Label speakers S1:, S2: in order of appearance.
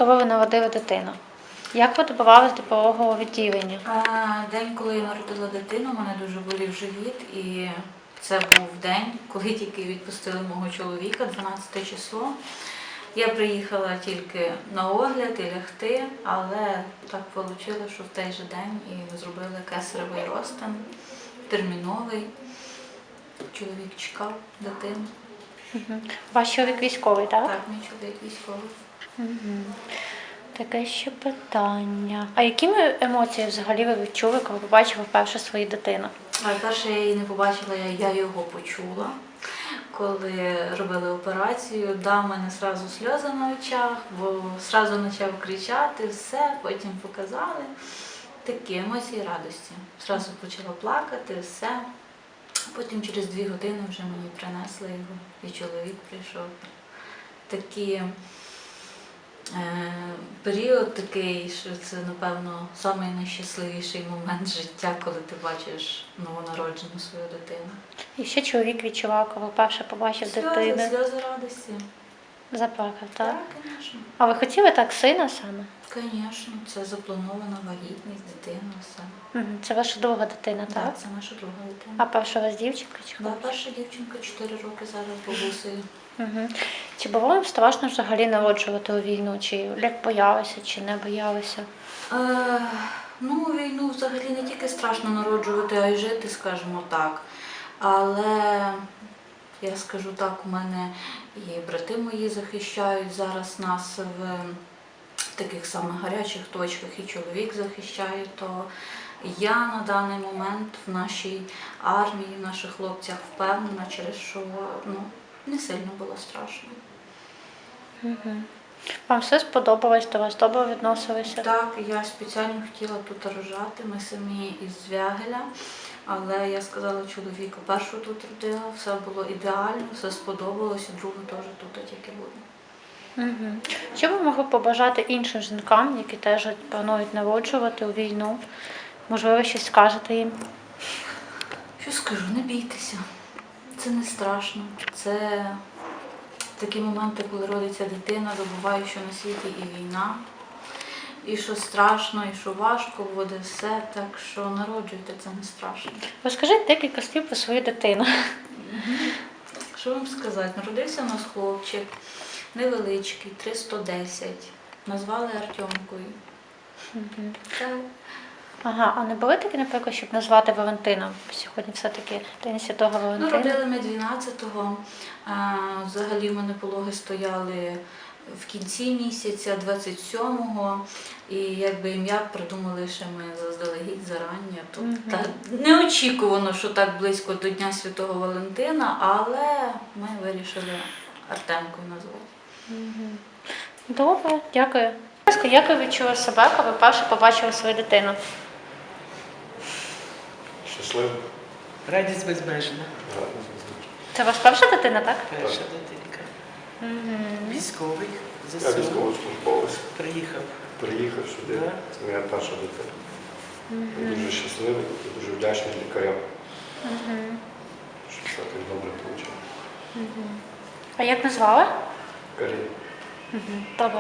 S1: коли ви народили дитину? Як ви добивались до пологового відділення?
S2: День, коли я народила дитину, у мене дуже болів живіт, і це був день, коли тільки відпустили мого чоловіка, 12 число. Я приїхала тільки на огляд і лягти, але так вийшло, що в той же день і зробили кесаревий розтин, терміновий. Чоловік чекав дитину.
S1: Ваш чоловік військовий, так?
S2: Так, мій чоловік військовий.
S1: Таке ще питання. А якими емоціями взагалі ви відчули, коли побачили вперше свою дитину?
S2: Перше я її не побачила, я його почула. Коли робили операцію, в мене одразу сльози на очах, бо одразу почав кричати, все, потім показали. Такі емоції радості. Одразу почала плакати, все. Потім через 2 години вже мені принесли його, і чоловік прийшов. Такий період такий, що це, напевно, найщасливіший момент життя, коли ти бачиш новонароджену свою дитину.
S1: І що чоловік відчував, коли вперше побачив дитину?
S2: Сльози радості.
S1: Заплакав, так?
S2: Так, звісно.
S1: А ви хотіли так сина саме?
S2: Звісно, це запланована вагітність, дитина, все.
S1: Це ваша друга дитина, так?
S2: Так, це наша друга дитина.
S1: А перша у вас дівчинка чи
S2: Да,
S1: хлопчик?
S2: перша дівчинка 4 роки зараз бабусею.
S1: Чи було вам страшно взагалі народжувати у війну? Чи як боялися, чи не боялися?
S2: Війну взагалі не тільки страшно народжувати, а й жити, скажімо так. Але я скажу так, у мене і брати мої захищають зараз нас в таких самих гарячих точках, і чоловік захищає, то я на даний момент в нашій армії, в наших хлопцях впевнена, через що не сильно було страшно.
S1: Вам все сподобалось, до вас добре відносилися?
S2: Так, я спеціально хотіла тут рожати, ми самі із Звягеля, але я сказала чоловіку, першу тут родила, все було ідеально, все сподобалось, і другу теж тут тільки буде.
S1: Що ви могли побажати іншим жінкам, які теж планують народжувати у війну? Можливо, щось скажете їм?
S2: Що скажу, не бійтеся, це не страшно, це такі моменти, коли родиться дитина, забуваю, що на світі і війна, і що страшно, і що важко буде все, так що народжуйте, це не страшно.
S1: Розкажіть декілька слів про свою дитину.
S2: Що вам сказати, народився у нас хлопчик, невеличкий, 310, назвали Артемкою. Так.
S1: Ага, а не були такі, наприклад, щоб назвати Валентином? Сьогодні все-таки День Святого Валентина.
S2: Родили ми 12-го, взагалі в мене пологи стояли в кінці місяця, 27-го, і якби ім'я придумали ще ми заздалегідь, зарання. Тобто неочікувано, що так близько до Дня Святого Валентина, але ми вирішили Артемкою назвати.
S1: Добре, дякую. Як ви відчули себе, коли вперше побачили свою дитину?
S3: Щасливо.
S4: Радість безмежна.
S1: Це ваша перша дитина, так?
S4: Перша дитинка. Військовий,
S3: Я
S4: ЗСУ.
S3: військовослужбовець.
S4: Приїхав
S3: Сюди.
S4: Да.
S3: Це моя перша дитина. Я дуже щасливий і дуже вдячний лікарям, що все так добре вийшло.
S1: А як назвали?
S3: Карі.
S1: Добре.